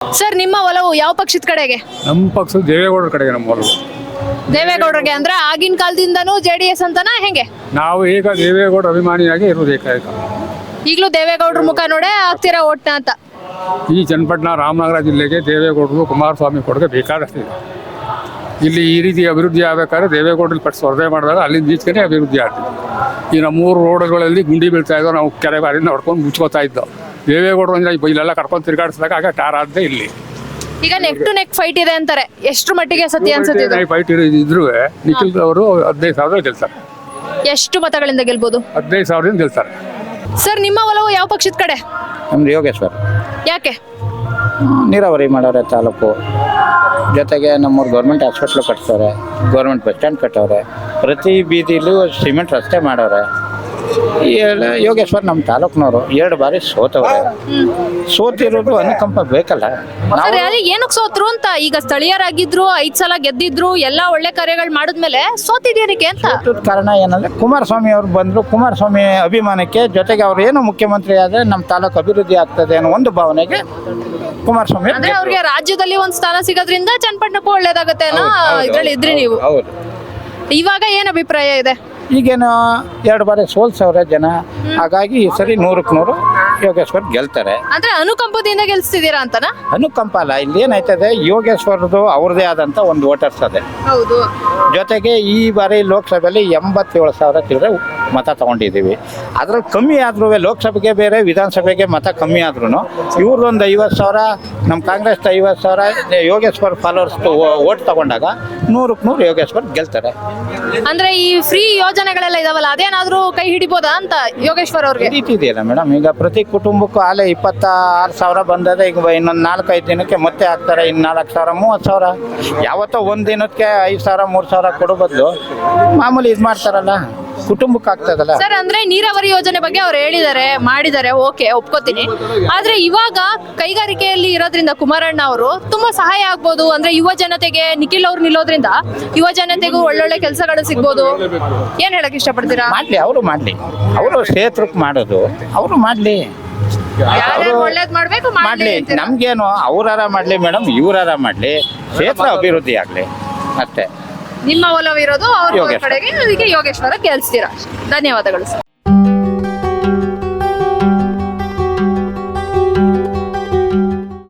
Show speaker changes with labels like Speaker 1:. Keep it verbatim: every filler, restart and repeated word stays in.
Speaker 1: Sir, ನಿಮ್ಮ ಒಲವು ಯಾವ ಪಕ್ಷದ ಕಡೆಗೆ?
Speaker 2: ನಮ್ಮ ಪಕ್ಷ ದೇವೇಗೌಡರ ಕಡೆಗೆ ನಮ್ಮ ಒಲವು.
Speaker 1: ದೇವೇಗೌಡರಿಗೆ ಅಂದ್ರೆ ಆಗಿನ ಕಾಲದಿಂದನೂ ಜೆ ಡಿ ಎಸ್ ಅಂತನಾ ಹೆಂಗೆ?
Speaker 2: ನಾವು ಈಗ ದೇವೇಗೌಡ ಅಭಿಮಾನಿಯಾಗಿ ಇರುವುದು ಏಕೈಕ.
Speaker 1: ಈಗಲೂ ದೇವೇಗೌಡರ ಮುಖ ನೋಡೇ ಆಗ್ತೀರಾ ಓಟ್ನ ಅಂತ?
Speaker 2: ಈ ಚನ್ನಪಟ್ಟಣ ರಾಮನಗರ ಜಿಲ್ಲೆಗೆ ದೇವೇಗೌಡರು ಕುಮಾರಸ್ವಾಮಿ ಕೊಡುಗೆ ಬೇಕಾದಷ್ಟಿದೆ. ಇಲ್ಲಿ ಈ ರೀತಿ ಅಭಿವೃದ್ಧಿ ಆಗಬೇಕಾದ್ರೆ ದೇವೇಗೌಡರಲ್ಲಿ ಪಟ್ಟು ಸ್ಪರ್ಧೆ ಮಾಡಿದಾಗ ಅಲ್ಲಿಂದ ಈಚೆಗೆ ಅಭಿವೃದ್ಧಿ ಆಗ್ತದೆ. ಈ ನಮ್ಮ ಮೂರು ರೋಡ್ಗಳಲ್ಲಿ ಗುಂಡಿ ಬೀಳ್ತಾ ಇದ್ದೋ, ನಾವು ಕೆರೆ ಬಾರಿಯಿಂದ ಹೊಡ್ಕೊಂಡು ಮುಚ್ಕೋತಾ ಇದ್ದೋ. ದೇವೇಗೌಡರು ಅಂದ್ರೆ ಇಲ್ಲೆಲ್ಲ ಕರ್ಕೊಂಡು ತಿರುಗಾಡಿಸಿದಾಗ ಆಗ ಟಾರ್ ಆಗದೆ. ಇಲ್ಲಿ
Speaker 1: ಈಗ ನೆಕ್ ಟು ನೆಕ್ ಫೈಟ್ ಇದೆ ಅಂತಾರೆ, ಎಷ್ಟು ಮಟ್ಟಿಗೆ ಸತ್ಯ ಅನ್ಸುತ್ತೆ ಇದು?
Speaker 2: ಫೈಟ್ ಇದ್ರು ನಿಖಿಲ್ ಅವರು ಹದಿನೈದು ಸಾವಿರ ಗೆಲ್ತಾರೆ.
Speaker 1: ಎಷ್ಟು ಮತಗಳಿಂದ ಗೆಲ್ಬಹುದು?
Speaker 2: ಹದಿನೈದು ಸಾವಿರದಿಂದ ಗೆಲ್ತಾರೆ.
Speaker 1: ಸರ್, ನಿಮ್ಮ ಒಲವು ಯಾವ ಪಕ್ಷದ ಕಡೆ?
Speaker 3: ನಮ್ದು ಯೋಗೇಶ್ವರ್.
Speaker 1: ಯಾಕೆ?
Speaker 3: ನೀರಾವರಿ ಮಾಡೋರೆ ತಾಲೂಕು, ಜೊತೆಗೆ ನಮ್ಮೂರು ಗೌರ್ಮೆಂಟ್ ಹಾಸ್ಪಿಟ್ಲು ಕಟ್ಸವ್ರೆ, ಗೌರ್ಮೆಂಟ್ ಬಸ್ ಸ್ಟ್ಯಾಂಡ್ ಕಟ್ಟವ್ರೆ, ಪ್ರತಿ ಬೀದಿಲೂ ಸಿಮೆಂಟ್ ರಸ್ತೆ ಮಾಡವ್ರೆ. ಈ ಎಲ್ಲ ಯೋಗೇಶ್ವರ್ ನಮ್ಮ ತಾಲೂಕಿನವರು ಎರಡು ಬಾರಿ ಸೋತವ್ರೆ. ಸೋತಿರೋದು ಅನುಕಂಪ ಬೇಕಲ್ಲ.
Speaker 1: ಸರ್, ಏನಕ್ಕೆ ಸೋತ್ರು ಅಂತ? ಈಗ ಸ್ಥಳೀಯರಾಗಿದ್ರು, ಐದ್ ಸಲ ಗೆದ್ದಿದ್ರು, ಎಲ್ಲಾ ಒಳ್ಳೆ ಕಾರ್ಯಗಳು ಮಾಡಿದ್ಮೇಲೆ ಸೋತಿದ್ದೀರಿಗೆ ಅಂತ
Speaker 3: ಕಾರಣ ಏನಂದ್ರೆ ಕುಮಾರಸ್ವಾಮಿ ಅವ್ರು ಬಂದ್ರು. ಕುಮಾರಸ್ವಾಮಿ ಅಭಿಮಾನಕ್ಕೆ, ಜೊತೆಗೆ ಅವ್ರು ಏನು ಮುಖ್ಯಮಂತ್ರಿ ಆದ್ರೆ ನಮ್ಮ ತಾಲೂಕು ಅಭಿವೃದ್ಧಿ ಆಗ್ತದೆ ಅನ್ನೋ ಒಂದು ಭಾವನೆಗೆ ಕುಮಾರಸ್ವಾಮಿ
Speaker 1: ಅಂದ್ರೆ ಅವ್ರಿಗೆ ರಾಜ್ಯದಲ್ಲಿ ಒಂದ್ ಸ್ಥಾನ ಸಿಗೋದ್ರಿಂದ ಚನ್ನಪಟ್ಟಣಕ್ಕೂ ಒಳ್ಳೇದಾಗತ್ತೆ ಅನ್ನೋ ಇದ್ರಲ್ಲಿ ಇದ್ರಿ ನೀವು.
Speaker 3: ಹೌದು.
Speaker 1: ಇವಾಗ ಏನ್ ಅಭಿಪ್ರಾಯ ಇದೆ?
Speaker 3: ಈಗೇನು ಎರಡು ಬಾರಿ ಸೋಲ್ಸವ್ರೆ ಜನ, ಹಾಗಾಗಿ ಈ ಸರಿ ನೂರಕ್ಕೆ ನೂರು ಯೋಗೇಶ್ವರ್ ಗೆಲ್ತಾರೆ.
Speaker 1: ಅಂದ್ರೆ ಅನುಕಂಪದಿಂದ ಗೆಲ್ಸ್ತಿದ್ದೀರಾ ಅಂತನ?
Speaker 3: ಅನುಕಂಪ ಅಲ್ಲ, ಇಲ್ಲಿ ಏನಾಯ್ತದೆ, ಯೋಗೇಶ್ವರದು ಅವ್ರದೇ ಆದಂತ ಒಂದು ವೋಟರ್ಸ್ ಅದೇ.
Speaker 1: ಹೌದು.
Speaker 3: ಜೊತೆಗೆ ಈ ಬಾರಿ ಲೋಕಸಭೆಯಲ್ಲಿ ಎಂಬತ್ತೇಳು ಸಾವಿರ ಚಿಲ್ಲರೆ ಮತ ತಗೊಂಡಿದ್ದೀವಿ. ಅದ್ರಲ್ಲಿ ಕಮ್ಮಿ ಆದ್ರೂ ಲೋಕಸಭೆಗೆ ಬೇರೆ, ವಿಧಾನಸಭೆಗೆ ಮತ ಕಮ್ಮಿ ಆದ್ರೂ ಇವ್ರದೊಂದು ಐವತ್ತು ಸಾವಿರ, ನಮ್ಮ ಕಾಂಗ್ರೆಸ್ ಐವತ್ತು ಸಾವಿರ ಯೋಗೇಶ್ವರ್ ಫಾಲೋವರ್ಸ್ ಓಟ್ ತಗೊಂಡಾಗ ನೂರಕ್ಕೆ ನೂರು ಯೋಗೇಶ್ವರ್ ಗೆಲ್ತಾರೆ.
Speaker 1: ಅಂದ್ರೆ ಈ ಫ್ರೀ ಯೋಜನೆಗಳೆಲ್ಲ ಇದಾವಲ್ಲ, ಅದೇನಾದ್ರೂ ಕೈ ಹಿಡಿಬೋದಾ ಅಂತ ಯೋಗೇಶ್ವರ್ ಅವ್ರಿಗೆ?
Speaker 3: ಇದೆಯಲ್ಲ ಮೇಡಮ್, ಈಗ ಪ್ರತಿ ಕುಟುಂಬಕ್ಕೂ ಆಲೆ ಇಪ್ಪತ್ತ ಆರು ಸಾವಿರ ಬಂದದೆ. ಈಗ ಇನ್ನೊಂದು ನಾಲ್ಕೈದು ದಿನಕ್ಕೆ ಮತ್ತೆ ಹಾಕ್ತಾರೆ, ಇನ್ನು ನಾಲ್ಕು ಸಾವಿರ ಮೂವತ್ತು ಸಾವಿರ. ಯಾವತ್ತೋ ಒಂದು ದಿನಕ್ಕೆ ಐದು ಸಾವಿರ ಮೂರು ಸಾವಿರ ಕೊಡೋ ಬದಲು ಮಾಮೂಲಿ ಇದು ಮಾಡ್ತಾರಲ್ಲ, ಕುಟುಂಬಕ್ಕೆ ಆಗ್ತದಲ್ಲ.
Speaker 1: ಸರ್, ಅಂದ್ರೆ ನೀರಾವರಿ ಯೋಜನೆ ಬಗ್ಗೆ ಅವ್ರು ಹೇಳಿದ್ದಾರೆ, ಮಾಡಿದ್ದಾರೆ, ಓಕೆ ಒಪ್ಕೋತೀನಿ. ಆದ್ರೆ ಇವಾಗ ಕೈಗಾರಿಕೆಯಲ್ಲಿ ಇರೋದ್ರಿಂದ ಕುಮಾರಣ್ಣ ಅವರು ತುಂಬಾ ಸಹಾಯ ಆಗ್ಬೋದು. ಅಂದ್ರೆ ಯುವ ಜನತೆಗೆ ನಿಖಿಲ್ ಅವ್ರು ನಿಲ್ಲೋದ್ರಿಂದ ಯುವ ಜನತೆಗೂ ಒಳ್ಳೊಳ್ಳೆ ಕೆಲಸಗಳು ಸಿಗ್ಬೋದು. ಏನ್ ಹೇಳಕ್ ಇಷ್ಟಪಡ್ತೀರಾ?
Speaker 3: ಮಾಡ್ಲಿ, ಅವರು ಮಾಡ್ಲಿ, ಅವರು ಕ್ಷೇತ್ರಕ್ಕೆ ಮಾಡೋದು ಅವರು ಮಾಡ್ಲಿ,
Speaker 1: ಒಳ್ಳೇದ್ ಮಾಡ್ಬೇಕು
Speaker 3: ಮಾಡ್ಲಿ. ನಮ್ಗೇನು ಅವ್ರಾರ ಮಾಡ್ಲಿ ಮೇಡಮ್, ಇವರಾರ ಮಾಡ್ಲಿ, ಕ್ಷೇತ್ರ ಅಭಿವೃದ್ಧಿ ಆಗ್ಲಿ ಅಷ್ಟೇ.
Speaker 1: ನಿಮ್ಮ ಒಲವಿರೋದು ಅವ್ರ ಕಡೆಗೆ, ಅದಕ್ಕೆ ಯೋಗೇಶ್ವರ ಗೆಲ್ಸ್ತೀರಾ. ಧನ್ಯವಾದಗಳು ಸರ್.